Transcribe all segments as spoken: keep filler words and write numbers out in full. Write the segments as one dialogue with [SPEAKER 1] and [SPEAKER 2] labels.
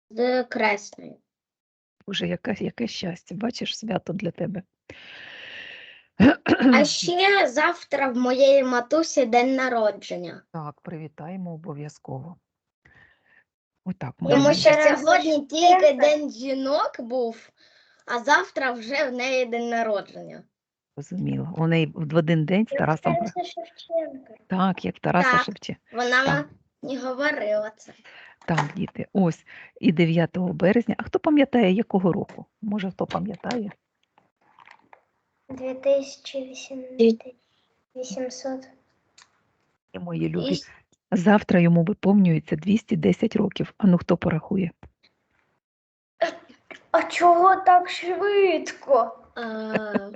[SPEAKER 1] З Кресною.
[SPEAKER 2] Боже, яке, яке щастя. Бачиш, свято для тебе.
[SPEAKER 1] А ще завтра в моєї матусі день народження.
[SPEAKER 2] Так, привітаємо обов'язково. Отак,
[SPEAKER 1] Тому
[SPEAKER 2] маємо.
[SPEAKER 1] що сьогодні тільки день жінок був, а завтра вже в неї день народження.
[SPEAKER 2] Розуміло. У неї в один день з Тарасом.
[SPEAKER 1] Тараса Шевченка.
[SPEAKER 2] Так, як Тараса
[SPEAKER 1] Так.
[SPEAKER 2] Шевченка.
[SPEAKER 1] Вона
[SPEAKER 2] Так.
[SPEAKER 1] мені говорила це.
[SPEAKER 2] Так, діти, ось і дев'ятого березня. А хто пам'ятає, якого року? Може, хто пам'ятає?
[SPEAKER 3] дві тисячі вісімсот.
[SPEAKER 2] І мої любі. Завтра йому виповнюється двісті десять років. А ну хто порахує?
[SPEAKER 3] А чого так швидко?
[SPEAKER 1] А,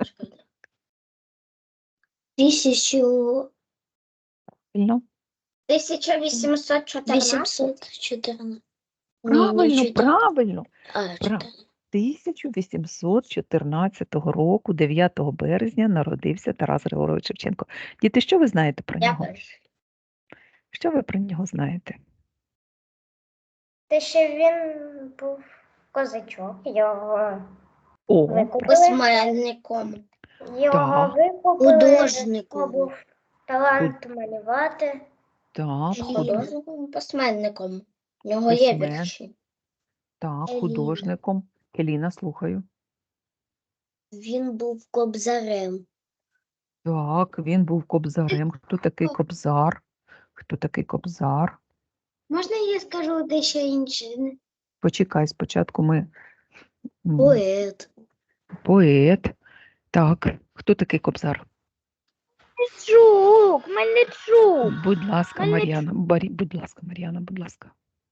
[SPEAKER 1] Тисячу...
[SPEAKER 2] Правильно?
[SPEAKER 1] тисяча вісімсот чотирнадцять.
[SPEAKER 3] вісімсот чотирнадцять.
[SPEAKER 2] Правильно, правильно.
[SPEAKER 1] А,
[SPEAKER 2] Прав- тисяча вісімсот чотирнадцятого року, дев'ятого березня, народився Тарас Григорович Шевченко. Діти, що ви знаєте про
[SPEAKER 1] Я
[SPEAKER 2] нього?
[SPEAKER 1] перший.
[SPEAKER 2] Що ви про нього знаєте?
[SPEAKER 3] Те, що він був козачок, його
[SPEAKER 2] О,
[SPEAKER 3] викупили.
[SPEAKER 1] Письменником.
[SPEAKER 3] Його
[SPEAKER 2] Так.
[SPEAKER 3] викупили.
[SPEAKER 1] Художником.
[SPEAKER 3] Його був талант малювати.
[SPEAKER 2] так, худ...
[SPEAKER 1] Художником, письменником. У нього є
[SPEAKER 2] Письмен.
[SPEAKER 1] вірші.
[SPEAKER 2] так,
[SPEAKER 1] Еліна.
[SPEAKER 2] художником. Еліна, слухаю.
[SPEAKER 1] Він був кобзарем.
[SPEAKER 2] Так, він був кобзарем. Хто такий кобзар? Хто такий кобзар?
[SPEAKER 1] Можна я скажу дещо інше?
[SPEAKER 2] Почекай, спочатку ми... м,
[SPEAKER 1] Поет.
[SPEAKER 2] Поет. Так, хто такий кобзар?
[SPEAKER 3] Мельничук, Мельничук.
[SPEAKER 2] Будь ласка,
[SPEAKER 3] Мельничук.
[SPEAKER 2] Мар'яна. Барі... Будь ласка, Мар'яна, будь ласка.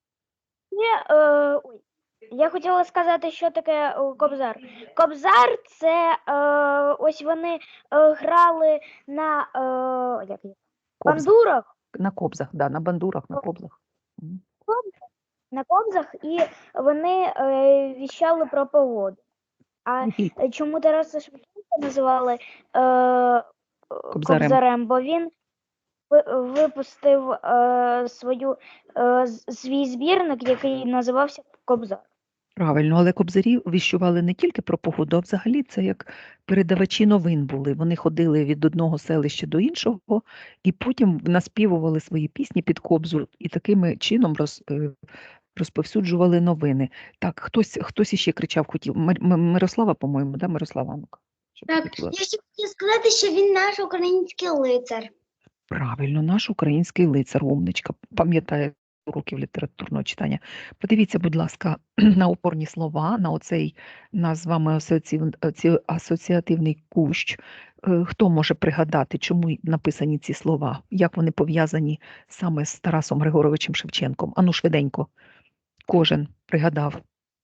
[SPEAKER 3] Я, е, ой, я хотіла сказати, що таке е, кобзар. Кобзар це е, ось вони е, грали на е, як, їх?
[SPEAKER 2] Кобза.
[SPEAKER 3] бандурах,
[SPEAKER 2] На кобзах, да, на бандурах, на кобзах. Мгм.
[SPEAKER 3] на кобзах, і вони е, віщали про погоду. А
[SPEAKER 2] Який
[SPEAKER 3] е, чому Тараса Шевченка називали е,
[SPEAKER 2] Кобзарем.
[SPEAKER 3] кобзарем? Бо він ви- випустив е, свою, е, з- свій збірник, який називався Кобзар.
[SPEAKER 2] Правильно, але кобзарі віщували не тільки про погоду, а взагалі це як передавачі новин були. Вони ходили від одного селища до іншого і потім наспівували свої пісні під кобзу і таким чином роз, е, розповсюджували новини. Так, хтось, хтось іще кричав, хотів. Мир- М- Мирослава, по-моєму, да, Мирослава? Ну-ка, щоб
[SPEAKER 1] Так,
[SPEAKER 2] хотіла.
[SPEAKER 1] я ще хотіла сказати, що він наш український лицар.
[SPEAKER 2] Правильно, наш український лицар, умничка, пам'ятає уроків літературного читання. Подивіться, будь ласка, на опорні слова, на оцей наш з вами асоціатив- оці- асоціативний кущ. Е, Хто може пригадати, чому й написані ці слова? Як вони пов'язані саме з Тарасом Григоровичем Шевченком? Ану, швиденько. Кожен пригадав.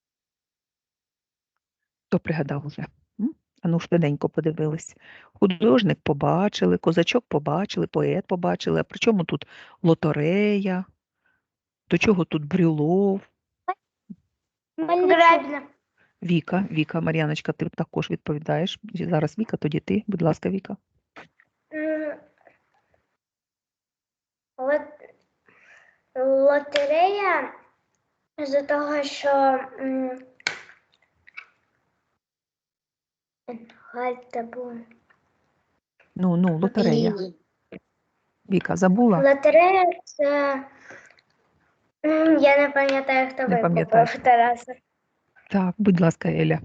[SPEAKER 2] Хто пригадав уже? М? Ану, швиденько подивились. Художник побачили, козачок побачили, поет побачили. А при чому тут лотерея? До чого тут Брюлов?
[SPEAKER 3] Гребня.
[SPEAKER 2] Віка, Віка, Мар'яночка, ти також відповідаєш. Зараз Віка, тоді ти. Будь ласка, Віка.
[SPEAKER 3] М, лот- Лотерея з-за того, що м, Гальта була.
[SPEAKER 2] Ну, ну, лотерея.
[SPEAKER 1] Блін.
[SPEAKER 2] Віка, забула?
[SPEAKER 3] Лотерея це м, я не пам'ятаю, хто
[SPEAKER 2] Не пам'ятаєш.
[SPEAKER 3] викупив Тараса.
[SPEAKER 2] Так, будь ласка, Еля.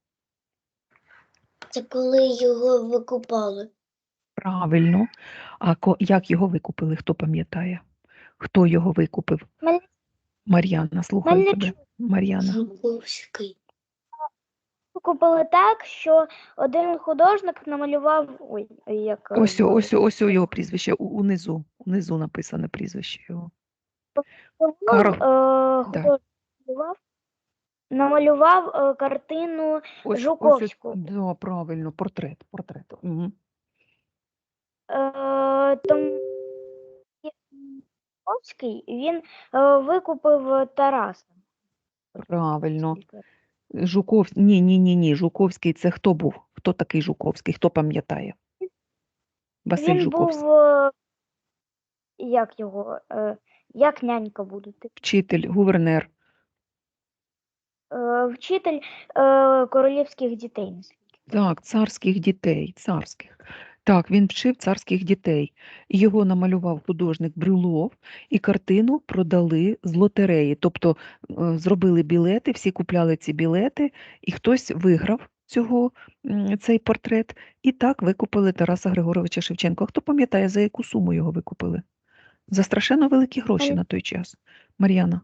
[SPEAKER 1] Це коли його викупали.
[SPEAKER 2] Правильно. А ко- як його викупили? Хто пам'ятає? Хто його викупив?
[SPEAKER 3] Мельничук.
[SPEAKER 2] Мар'яна, слухаю тебе.
[SPEAKER 3] Мельничук.
[SPEAKER 2] Мар'яна.
[SPEAKER 1] Жуковський.
[SPEAKER 3] Викупили так, що один художник намалював. Ой, як е,
[SPEAKER 2] Ось, о- ось, о- ось о його прізвище, у- унизу. Унизу написане прізвище його. Карл.
[SPEAKER 3] е,
[SPEAKER 2] Да.
[SPEAKER 3] художник намалював, намалював е, картину
[SPEAKER 2] Ось, ось,
[SPEAKER 3] Жуковського.
[SPEAKER 2] да, правильно, портрет, портрет. Угу.
[SPEAKER 3] Е, тому Жуковський, він е, викупив Тараса.
[SPEAKER 2] Правильно. Жуковський, ні, ні, ні, ні, Жуковський це хто був? Хто такий Жуковський? Хто пам'ятає? Василь
[SPEAKER 3] Він
[SPEAKER 2] Жуковський.
[SPEAKER 3] був, е, як його, е, як нянька буде. типу.
[SPEAKER 2] Вчитель, гувернер.
[SPEAKER 3] е, вчитель е, королівських дітей.
[SPEAKER 2] Так, царських дітей, царських. Так, він вчив царських дітей. Його намалював художник Брюлов, і картину продали з лотереї. Тобто е, зробили білети, всі купляли ці білети, і хтось виграв цього, м, цей портрет, і так викупили Тараса Григоровича Шевченка. Хто пам'ятає, за яку суму його викупили? За страшенно великі гроші на той час. Мар'яна?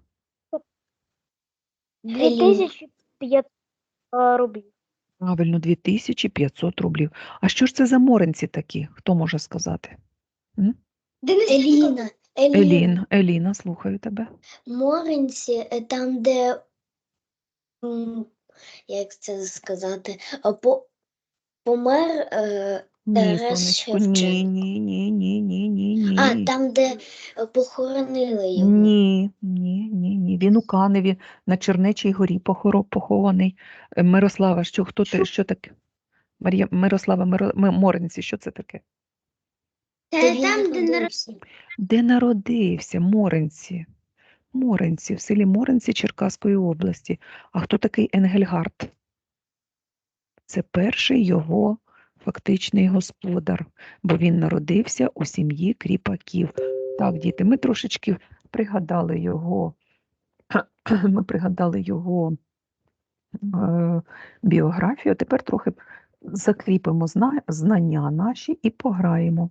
[SPEAKER 3] дві тисячі п'ятсот рублів.
[SPEAKER 2] Правильно, дві тисячі п'ятсот рублів. А що ж це за моренці такі? Хто може сказати? М?
[SPEAKER 1] Еліна.
[SPEAKER 2] Елін, Еліна, слухаю тебе.
[SPEAKER 1] Моренці, е, там, де, м, як це сказати, а, по, помер е,
[SPEAKER 2] Ні,
[SPEAKER 1] Тарас
[SPEAKER 2] сонечко, ні,
[SPEAKER 1] Шевченко.
[SPEAKER 2] ні, ні, ні, ні, ні, ні.
[SPEAKER 1] А, там, де е, похоронили його.
[SPEAKER 2] Ні, ні, ні, ні. Він у Каневі на Чернечій горі похоро- похований. Е, Мирослава, що хто те, що таке? Марія, Мирослава, Миро, М- Моренці, що це таке?
[SPEAKER 1] Де він народився.
[SPEAKER 2] Де народився? Моренці. Моренці, в селі Моренці Черкаської області. А хто такий Енгельгард? Це перший його фактичний господар, бо він народився у сім'ї кріпаків. Так, діти, ми трошечки пригадали його, ми пригадали його е, біографію, а тепер трохи закріпимо зна- знання наші і пограємо.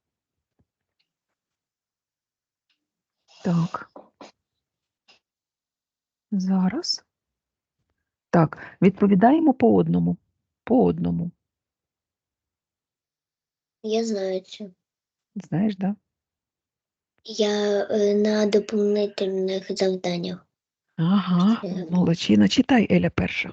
[SPEAKER 2] Так. Зараз. Так, відповідаємо по одному. По одному.
[SPEAKER 1] Я знаю це.
[SPEAKER 2] Знаєш, да?
[SPEAKER 1] Я е, на доповнительних завданнях.
[SPEAKER 2] Ага,
[SPEAKER 1] Е,
[SPEAKER 2] молодчина. Читай, Еля, перша.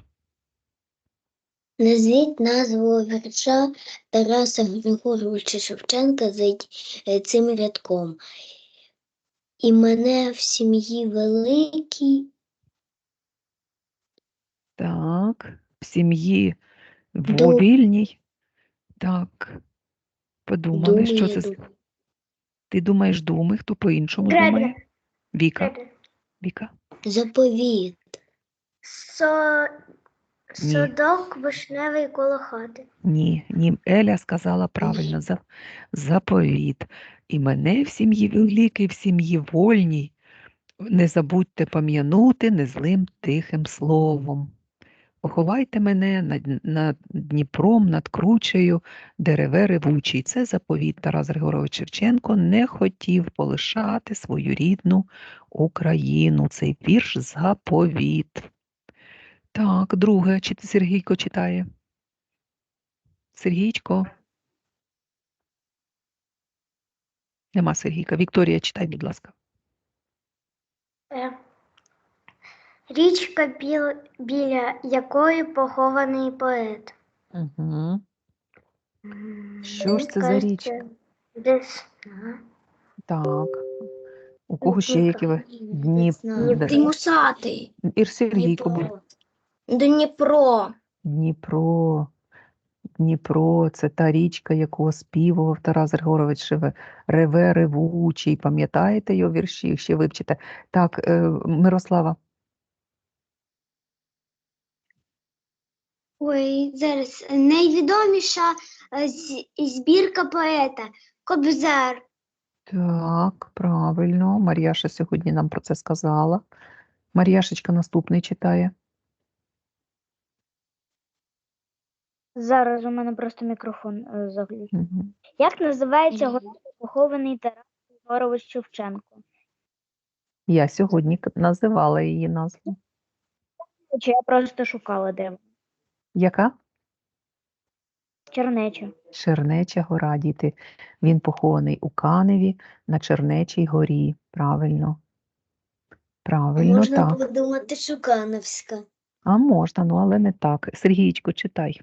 [SPEAKER 1] Назвіть назву вірша Тараса Григоровича Шевченка за е, цим рядком. І мене в сім'ї великій.
[SPEAKER 2] Так, в сім'ї
[SPEAKER 1] Ду-
[SPEAKER 2] вільній. Так, подумали, що
[SPEAKER 1] Думаю,
[SPEAKER 2] це. з-
[SPEAKER 1] думаю.
[SPEAKER 2] Ти думаєш думи, хто по-іншому
[SPEAKER 3] Гребля.
[SPEAKER 2] думає? Віка. Віка.
[SPEAKER 1] Заповіт.
[SPEAKER 3] Со...
[SPEAKER 2] Ні.
[SPEAKER 3] Садок вишневий коло хати.
[SPEAKER 2] Ні, ні, Еля сказала правильно, за, заповіт. І мене в сім'ї великій, в сім'ї вольній, не забудьте пам'янути незлим тихим словом. Поховайте мене над, над Дніпром, над кручею, дереве ревучий. Це заповіт. Тарас Григорович Шевченко не хотів полишати свою рідну Україну. Цей вірш заповіт. Так, друге, чи ти Сергійко читає? Сергійчко? Нема Сергійка. Вікторія, читай, будь ласка.
[SPEAKER 3] Е. Річка, біл... біля якої похований поет.
[SPEAKER 2] Угу. Що ж це за річка?
[SPEAKER 3] Десна.
[SPEAKER 2] Так. У кого ще які ви? Дніп...
[SPEAKER 1] Дніпро.
[SPEAKER 2] Д-
[SPEAKER 1] Мусатий.
[SPEAKER 2] Ір Сергійко, будь.
[SPEAKER 1] Дніпро.
[SPEAKER 2] Дніпро. Дніпро, це та річка, яку оспівував Тарас Григорович Шеве- Реве ревучий. Пам'ятаєте його вірші? Ще вивчите. Так, е, Мирослава.
[SPEAKER 3] Ой, зараз найвідоміша е, з- збірка поета Кобзар.
[SPEAKER 2] Так, правильно. Мар'яша сьогодні нам про це сказала. Мар'яшечка наступний читає.
[SPEAKER 3] Зараз у мене просто мікрофон е, заглючив.
[SPEAKER 2] Угу.
[SPEAKER 3] Як називається город, похований Тарас Григорович Шевченко?
[SPEAKER 2] Я сьогодні к- називала її назву.
[SPEAKER 3] Чи я просто шукала де вона?
[SPEAKER 2] Яка?
[SPEAKER 3] Чернеча.
[SPEAKER 2] Чернеча гора, діти. Він похований у Каневі на Чернечій горі. Правильно. Правильно,
[SPEAKER 1] Можна
[SPEAKER 2] так.
[SPEAKER 1] подумати, що Каневська.
[SPEAKER 2] А можна, ну але не так. Сергійчко, читай.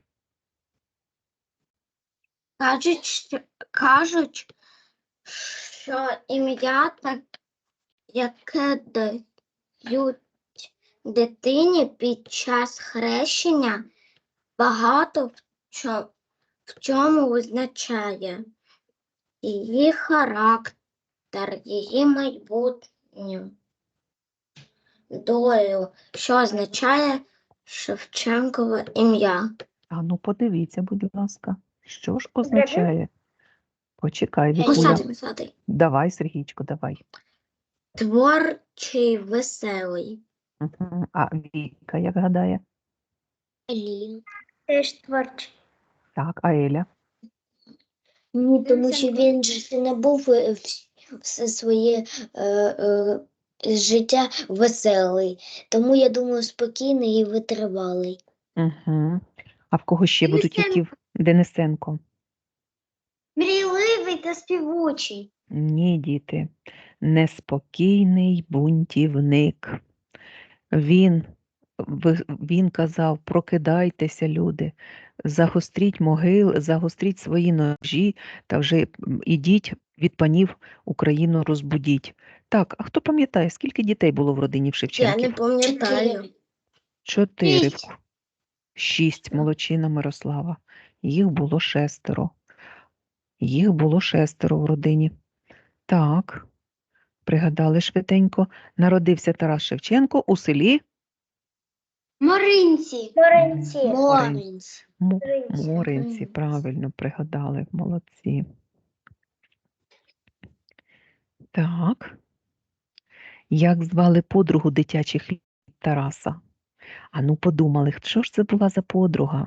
[SPEAKER 1] Кажуть, що, кажуть, що ім'я так, яке дають дитині під час хрещення, багато в чому, в чому визначає її характер, її майбутню долю, що означає Шевченкове ім'я.
[SPEAKER 2] А ну подивіться, будь ласка, що ж означає? Почекай, Вікуля.
[SPEAKER 1] Писати, писати.
[SPEAKER 2] Давай, Сергійчко, давай.
[SPEAKER 1] Творчий, веселий.
[SPEAKER 2] Мгм. А Віка, як гадає?
[SPEAKER 1] Елін.
[SPEAKER 3] Теж творчий.
[SPEAKER 2] Так, а Еля?
[SPEAKER 1] Ні, тому що він же не був е, вс- все своє е, е, життя веселий. Тому я думаю, спокійний і витривалий.
[SPEAKER 2] Угу. А в кого ще будуть які? в- Денисенко?
[SPEAKER 1] Мрійливий та співучий.
[SPEAKER 2] Ні, діти. Неспокійний бунтівник. Він, ви- він казав, прокидайтеся, люди, загостріть могил, загостріть свої ножі та вже м, ідіть від панів Україну розбудіть. Так, а хто пам'ятає, скільки дітей було в родині в
[SPEAKER 1] Я
[SPEAKER 2] Шевченків?
[SPEAKER 1] не пам'ятаю.
[SPEAKER 2] Чотири.
[SPEAKER 1] Шість.
[SPEAKER 2] Шість, молодчина Мирослава. Їх було шестеро. Їх було шестеро в родині. Так, пригадали швиденько. Народився Тарас Шевченко у селі
[SPEAKER 1] Моринці.
[SPEAKER 3] Моринці.
[SPEAKER 1] Моринці.
[SPEAKER 2] Мо-
[SPEAKER 3] Моринці.
[SPEAKER 2] Моринці. Правильно пригадали. Молодці. Так. Як звали подругу дитячих літ Тараса? А ну подумали, що ж це була за подруга?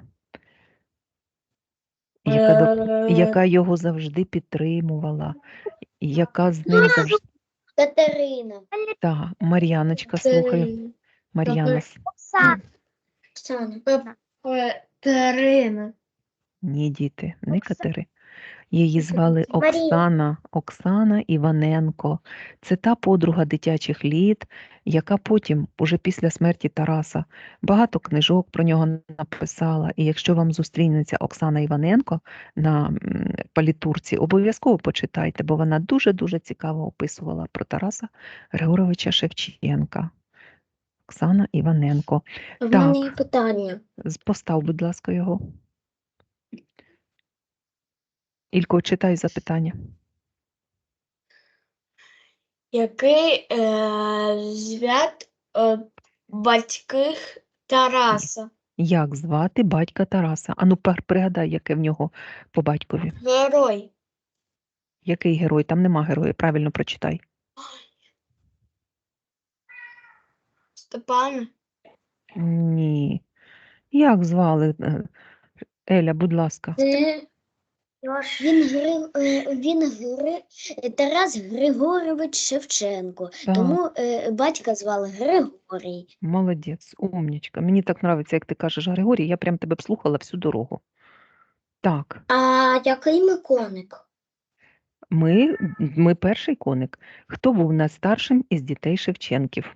[SPEAKER 2] Яка, до... яка його завжди підтримувала, яка з ним завжди.
[SPEAKER 1] Катерина.
[SPEAKER 2] Так, Мар'яночка, слухаю. Мар'яна. с-
[SPEAKER 3] Оксана.
[SPEAKER 1] Оксана.
[SPEAKER 4] Катерина.
[SPEAKER 2] Ні, діти, не
[SPEAKER 3] Окса-
[SPEAKER 2] Катери. Її звали
[SPEAKER 3] Марія.
[SPEAKER 2] Оксана, Оксана Іваненко. Це та подруга дитячих літ, яка потім, уже після смерті Тараса, багато книжок про нього написала. І якщо вам зустрінеться Оксана Іваненко на м, палітурці, обов'язково почитайте, бо вона дуже-дуже цікаво описувала про Тараса Григоровича Шевченка. Оксана Іваненко.
[SPEAKER 1] В
[SPEAKER 2] Так.
[SPEAKER 1] мене є питання.
[SPEAKER 2] З- Постав, будь ласка, його. Ілько, читай запитання.
[SPEAKER 4] Який е, звят е, батьки Тараса?
[SPEAKER 2] Як звати батька Тараса? Ану, пер- пригадай, яке в нього по батькові.
[SPEAKER 4] Герой.
[SPEAKER 2] Який герой? Там нема героя, правильно прочитай.
[SPEAKER 4] Степан.
[SPEAKER 2] Ні. Як звали? е, Еля, будь ласка.
[SPEAKER 1] Це
[SPEAKER 3] Йош.
[SPEAKER 1] він, Гри... е, він Гри... Тарас Григорович Шевченко.
[SPEAKER 2] Так,
[SPEAKER 1] Тому е, батька звали Григорій.
[SPEAKER 2] молодець, умнічка. Мені так подобається, як ти кажеш, Григорій, я прям тебе б слухала всю дорогу. Так,
[SPEAKER 1] А який ми коник?
[SPEAKER 2] ми, ми перший коник. Хто був найстаршим із дітей Шевченків?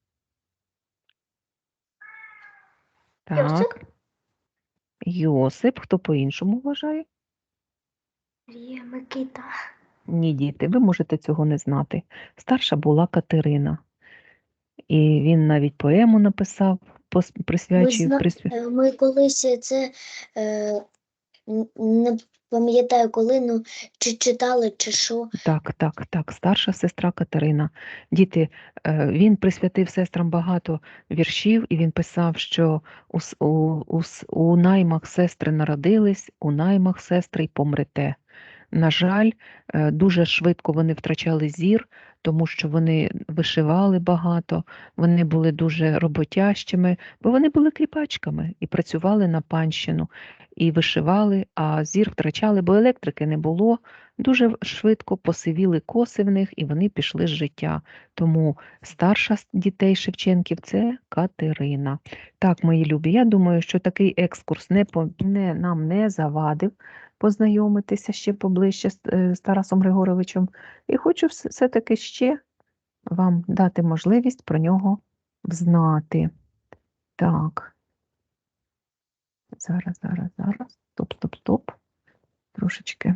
[SPEAKER 3] Йосип?
[SPEAKER 2] Так. Йосип, хто по-іншому вважає?
[SPEAKER 3] Марія, Микита.
[SPEAKER 2] Ні, діти, ви можете цього не знати. Старша була Катерина. І він навіть поему написав, пос-
[SPEAKER 1] Ми,
[SPEAKER 2] присвячив.
[SPEAKER 1] зна...
[SPEAKER 2] присвя-
[SPEAKER 1] е, ми колись це е, н- не пам'ятаю коли, ну чи читали, чи що.
[SPEAKER 2] Так, так, так, старша сестра Катерина. Діти, е, він присвятив сестрам багато віршів, і він писав, що у, с- у, у, с- у наймах сестри народились, у наймах сестри й помрете. На жаль, е, дуже швидко вони втрачали зір, тому що вони вишивали багато, вони були дуже роботящими, бо вони були кріпачками і працювали на панщину, і вишивали, а зір втрачали, бо електрики не було. Дуже в- швидко посивіли коси в них, і вони пішли з життя. Тому старша з дітей Шевченків – це Катерина. Так, мої любі, я думаю, що такий екскурс не, по- не, нам не завадив познайомитися ще поближче з, е, з Тарасом Григоровичем. І хочу вс- все-таки ще вам дати можливість про нього взнати. Так. Зараз, зараз, зараз. Стоп, стоп, стоп. Трошечки.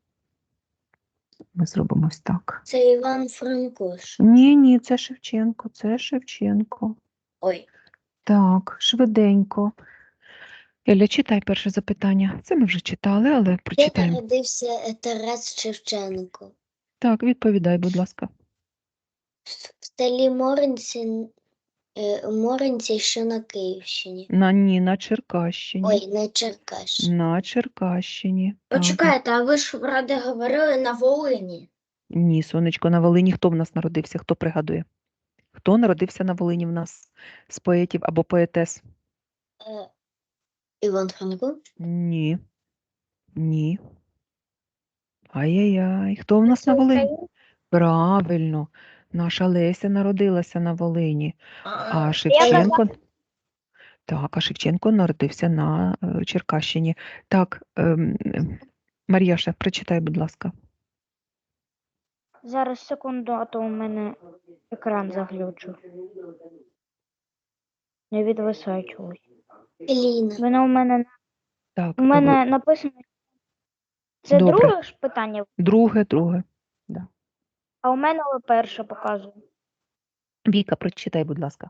[SPEAKER 2] Ми зробимо ось так.
[SPEAKER 1] Це Іван Франко. ж.
[SPEAKER 2] Ні, ні, це Шевченко, це Шевченко.
[SPEAKER 1] Ой,
[SPEAKER 2] Так, швиденько. Еля, читай перше запитання. Це ми вже читали, але
[SPEAKER 1] де
[SPEAKER 2] прочитаємо.
[SPEAKER 1] народився е, Тарас Шевченко?
[SPEAKER 2] Так, відповідай, будь ласка.
[SPEAKER 1] В селі Моринці Е, Моринці, що на Київщині.
[SPEAKER 2] На ні, на Черкащині.
[SPEAKER 1] Ой, на Черкащині.
[SPEAKER 2] На Черкащині. Так.
[SPEAKER 4] Почекайте, а ви ж вроде говорили на Волині.
[SPEAKER 2] Ні, сонечко, на Волині хто в нас народився? Хто пригадує? Хто народився на Волині в нас з поетів або поетес?
[SPEAKER 1] Е, Іван Франко.
[SPEAKER 2] Ні. Ні. Ай-яй-яй. Хто в нас на Волині? Правильно. Наша Леся народилася на Волині. А Шевченко. Так, а Шевченко народився на е, Черкащині. Так, ем, ем, Мар'яша, прочитай, будь ласка.
[SPEAKER 3] Зараз секунду, а то у мене екран заглючив. Не відвисає чогось.
[SPEAKER 1] Еліна.
[SPEAKER 3] Воно у мене
[SPEAKER 2] Так,
[SPEAKER 3] у
[SPEAKER 2] ви-
[SPEAKER 3] мене написано. Це
[SPEAKER 2] Добре.
[SPEAKER 3] друге ж питання,
[SPEAKER 2] друге, друге. Да.
[SPEAKER 3] а у мене перше показує.
[SPEAKER 2] Віка, прочитай, будь ласка.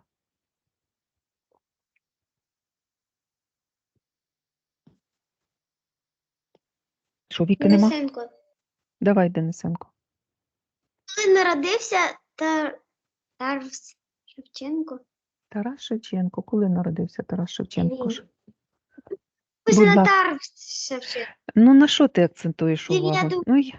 [SPEAKER 2] Що, Віки нема?
[SPEAKER 4] Денисенко.
[SPEAKER 2] Давай, Денисенко.
[SPEAKER 4] Коли народився Тар... Тарас Шевченко?
[SPEAKER 2] Тарас Шевченко. Коли народився Тарас Шевченко? ж?
[SPEAKER 4] Ось
[SPEAKER 2] Будь
[SPEAKER 4] на
[SPEAKER 2] ласка.
[SPEAKER 4] Тарас Шевченко.
[SPEAKER 2] Ну, на що ти акцентуєш увагу?
[SPEAKER 4] Дев'ятого.
[SPEAKER 2] Ну, й-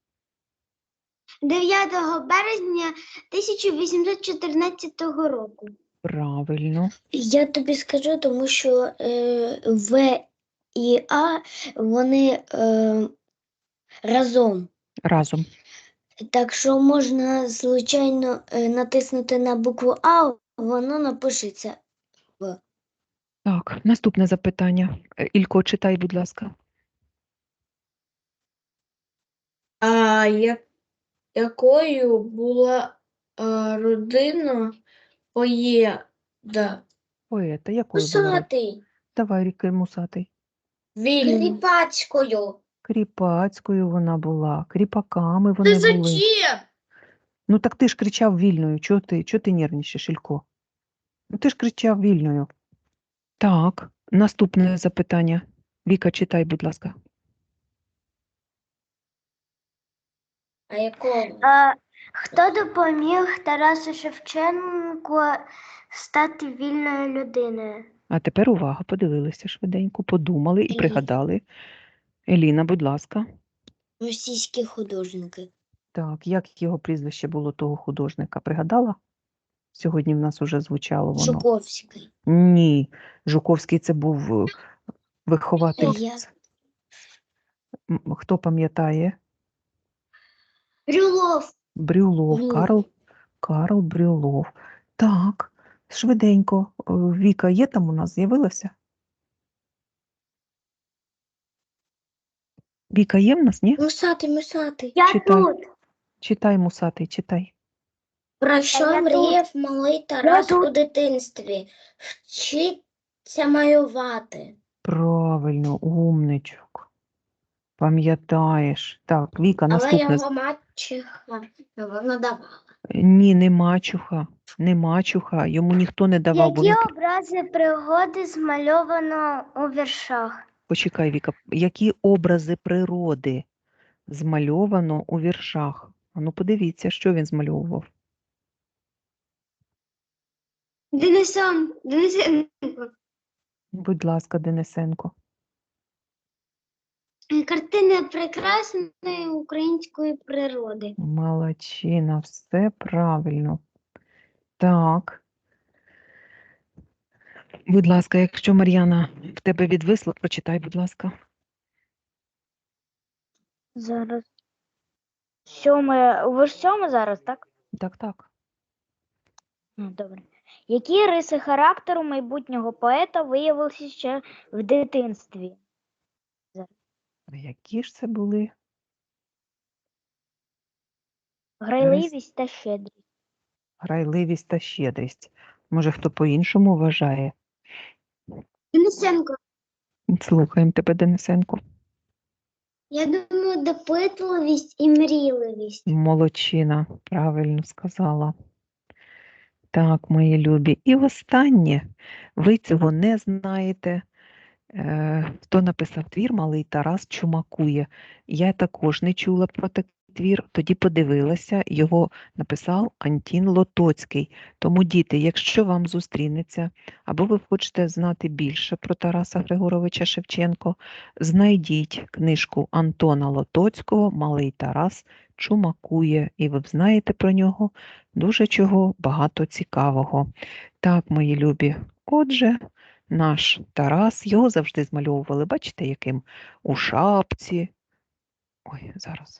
[SPEAKER 4] дев'ятого березня тисяча вісімсот чотирнадцятого року.
[SPEAKER 2] правильно.
[SPEAKER 1] Я тобі скажу, тому що е, В і А, вони е, разом.
[SPEAKER 2] Разом.
[SPEAKER 1] Так що можна, звичайно, е, натиснути на букву А, воно напишеться.
[SPEAKER 2] Так, наступне запитання. Е, Ілько, читай, будь ласка.
[SPEAKER 4] А я... якою була а, родина поєда?
[SPEAKER 2] Поета, якою була? род-
[SPEAKER 1] Усатий.
[SPEAKER 2] Давай, Ріки Мусатий.
[SPEAKER 4] Вільна.
[SPEAKER 1] Кріпацькою.
[SPEAKER 2] Кріпацькою вона була, кріпаками вони були. Ну так ти ж кричав вільною. Чого ти, чого ти нервничаєш, Ілько? Ну ти ж кричав вільною. Так, наступне запитання. Віка, читай, будь ласка.
[SPEAKER 1] А якого?
[SPEAKER 4] А, хто допоміг Тарасу Шевченку стати вільною людиною?
[SPEAKER 2] А тепер увага, подивилися швиденько, подумали і
[SPEAKER 1] Еліна.
[SPEAKER 2] пригадали. Еліна, будь ласка.
[SPEAKER 1] Російські художники.
[SPEAKER 2] Так, як його прізвище було того художника? Пригадала? Сьогодні в нас уже звучало воно.
[SPEAKER 1] Жуковський.
[SPEAKER 2] Ні, Жуковський це був е, вихователь.
[SPEAKER 1] Я.
[SPEAKER 2] М, Хто пам'ятає?
[SPEAKER 4] Брюлов.
[SPEAKER 2] Брюлов,
[SPEAKER 1] Ні.
[SPEAKER 2] Карл, Карл Брюлов. Так, швиденько. Е, Віка є там у нас, з'явилася? Віка є в нас, ні?
[SPEAKER 1] Мусатий, мусатий.
[SPEAKER 4] Я
[SPEAKER 2] Читай.
[SPEAKER 4] тут.
[SPEAKER 2] Читай, Мусатий, читай.
[SPEAKER 1] Про що
[SPEAKER 4] я
[SPEAKER 1] мріяв малий Тарас
[SPEAKER 4] тут.
[SPEAKER 1] у дитинстві? Вчиться малювати.
[SPEAKER 2] Правильно, умничок. Пам'ятаєш. Так, Віка,
[SPEAKER 1] Але
[SPEAKER 2] наступне.
[SPEAKER 1] його мачеха вона давала.
[SPEAKER 2] Ні, не мачуха. Не мачуха. Йому ніхто не давав, бо він...
[SPEAKER 4] Які образи пригоди змальовано у віршах?
[SPEAKER 2] Почекай, Віка. Які образи природи змальовано у віршах? А ну подивіться, що він змальовував.
[SPEAKER 4] Денисон, Денисенко.
[SPEAKER 2] Будь ласка, Денисенко.
[SPEAKER 4] Картини прекрасної української природи.
[SPEAKER 2] Молодчина, все правильно. Так. Будь ласка, якщо Мар'яна в тебе відвисла, прочитай, будь ласка.
[SPEAKER 3] Зараз. Сьоме. Ви ж сьоме зараз, так?
[SPEAKER 2] Так, так.
[SPEAKER 3] Ну, добре. Які риси характеру майбутнього поета виявилися ще в дитинстві?
[SPEAKER 2] Які ж це були?
[SPEAKER 3] Грайливість та щедрість.
[SPEAKER 2] Грайливість та щедрість. Може, хто по-іншому вважає?
[SPEAKER 4] Денисенко.
[SPEAKER 2] Слухаємо тебе, Денисенко.
[SPEAKER 4] Я думаю, допитливість і мрійливість.
[SPEAKER 2] Молодчина, правильно сказала. Так, мої любі. І останнє. Ви цього не знаєте. Е, хто написав твір «Малий Тарас чумакує». Я також не чула про такий твір, тоді подивилася, його написав Антін Лотоцький. Тому, діти, якщо вам зустрінеться, або ви хочете знати більше про Тараса Григоровича Шевченко, знайдіть книжку Антона Лотоцького «Малий Тарас чумакує», і ви знаєте про нього дуже чого багато цікавого. Так, мої любі, отже, наш Тарас, його завжди змальовували, бачите, яким? У шапці. Ой, зараз.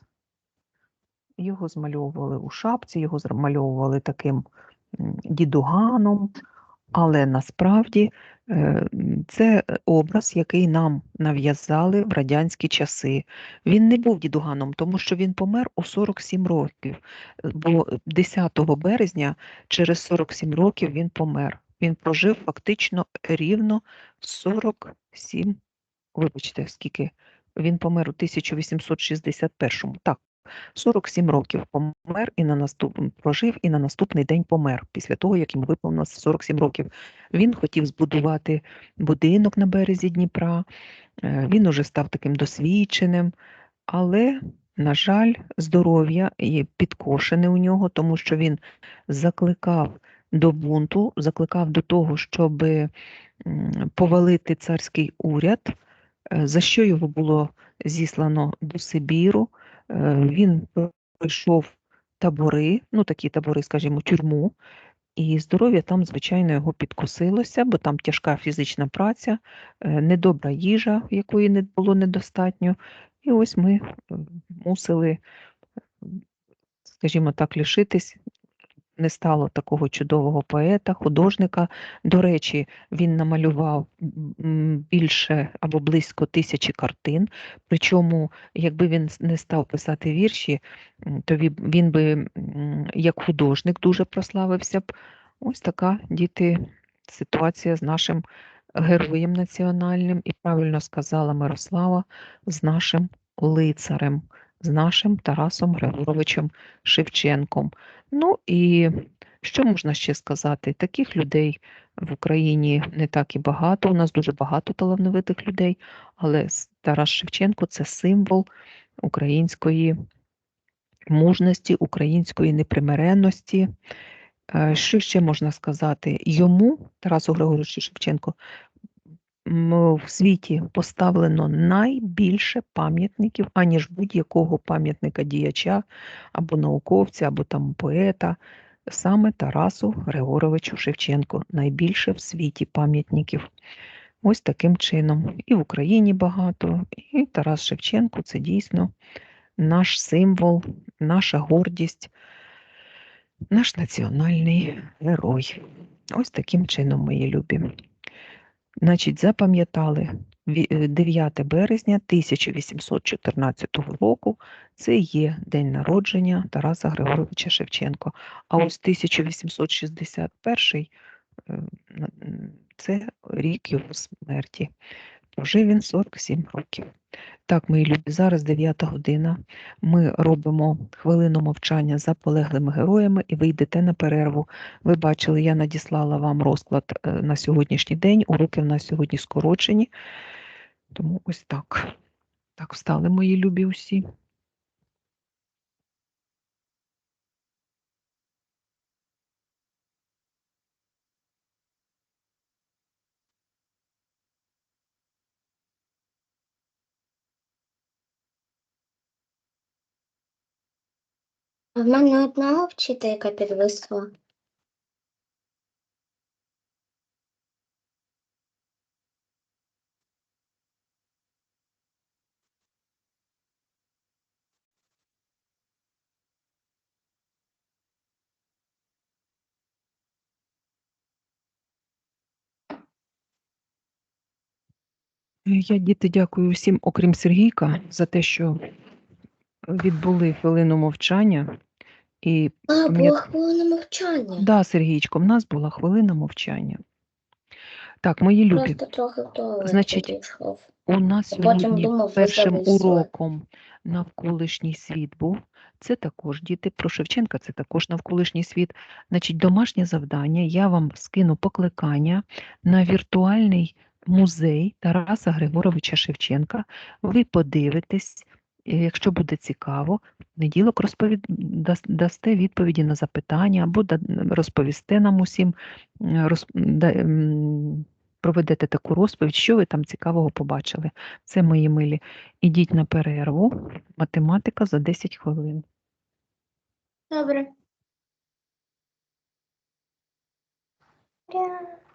[SPEAKER 2] Його змальовували у шапці, його змальовували таким м, дідуганом, але насправді е, м, це образ, який нам нав'язали в радянські часи. Він не був дідуганом, тому що він помер у сорок сім років, е, бо десятого березня через сорок сім років він помер. Він прожив фактично рівно сорок сім, вибачте, скільки, він помер у тисяча вісімсот шістдесят першому, так, сорок сім років помер і на наступ... прожив і на наступний день помер, після того, як йому виповнилося сорок сім років. Він хотів збудувати будинок на березі Дніпра, е, він уже став таким досвідченим, але, на жаль, здоров'я є підкошене у нього, тому що він закликав до бунту, закликав до того, щоб м, повалити царський уряд, е, за що його було зіслано до Сибіру. Е, Він пройшов табори, ну такі табори, скажімо, тюрму, і здоров'я там, звичайно, його підкосилося, бо там тяжка фізична праця, е, недобра їжа, якої не було недостатньо. І ось ми е, мусили, скажімо так, лишитись. Не стало такого чудового поета, художника. До речі, він намалював м, більше або близько тисячі картин. Причому, якби він не став писати вірші, м, то він, він би м, як художник дуже прославився б. Ось така, діти, ситуація з нашим героєм національним, і правильно сказала Мирослава, з нашим лицарем, з нашим Тарасом Григоровичем Шевченком. Ну і що можна ще сказати? Таких людей в Україні не так і багато. У нас дуже багато талановитих людей, але Тарас Шевченко – це символ української мужності, української непримиренності. Е, Що ще можна сказати? Йому, Тарасу Григоровичу Шевченко, м, в світі поставлено найбільше пам'ятників, аніж будь-якого пам'ятника діяча, або науковця, або там поета. Саме Тарасу Григоровичу Шевченку найбільше в світі пам'ятників. Ось таким чином. І в Україні багато, і Тарас Шевченко – це дійсно наш символ, наша гордість, наш національний герой. Ось таким чином, мої любі. Значить, запам'ятали, ві- дев'яте березня тисяча вісімсот чотирнадцятого року – це є день народження Тараса Григоровича Шевченко. А ось тисяча вісімсот шістдесят перший е, на- м, – це рік його смерті. Прожив він сорок сім років. Так, мої любі, зараз дев'ята година. Ми робимо хвилину мовчання за полеглими героями і ви йдете на перерву. Ви бачили, я надіслала вам розклад е, на сьогоднішній день. Уроки в нас сьогодні скорочені. Тому ось так. Так, встали, мої любі усі.
[SPEAKER 1] А в мене одна вчителька підвисла.
[SPEAKER 2] Я, діти, дякую всім, окрім Сергійка, за те, що відбули хвилину мовчання. І
[SPEAKER 1] А,
[SPEAKER 2] пам'ят-
[SPEAKER 1] була хвилина мовчання.
[SPEAKER 2] Да, Сергійчко, в нас була хвилина мовчання. Так, мої любі,
[SPEAKER 1] Просто трохи в туалет
[SPEAKER 2] Значить,
[SPEAKER 1] підійшов.
[SPEAKER 2] у нас
[SPEAKER 1] А потім
[SPEAKER 2] сьогодні
[SPEAKER 1] думав, ви
[SPEAKER 2] першим
[SPEAKER 1] зависли.
[SPEAKER 2] уроком навколишній світ був. Це також, діти, про Шевченка, це також навколишній світ. Значить, домашнє завдання, я вам скину покликання на віртуальний музей Тараса Григоровича Шевченка. Ви подивитесь, І якщо буде цікаво, в понеділок розповід... дас- дасте відповіді на запитання або да- розповісте нам усім, м, роз... да- м, проведете таку розповідь, що ви там цікавого побачили. Це, мої милі. Ідіть на перерву. Математика за десять хвилин.
[SPEAKER 4] Добре.
[SPEAKER 3] Ура!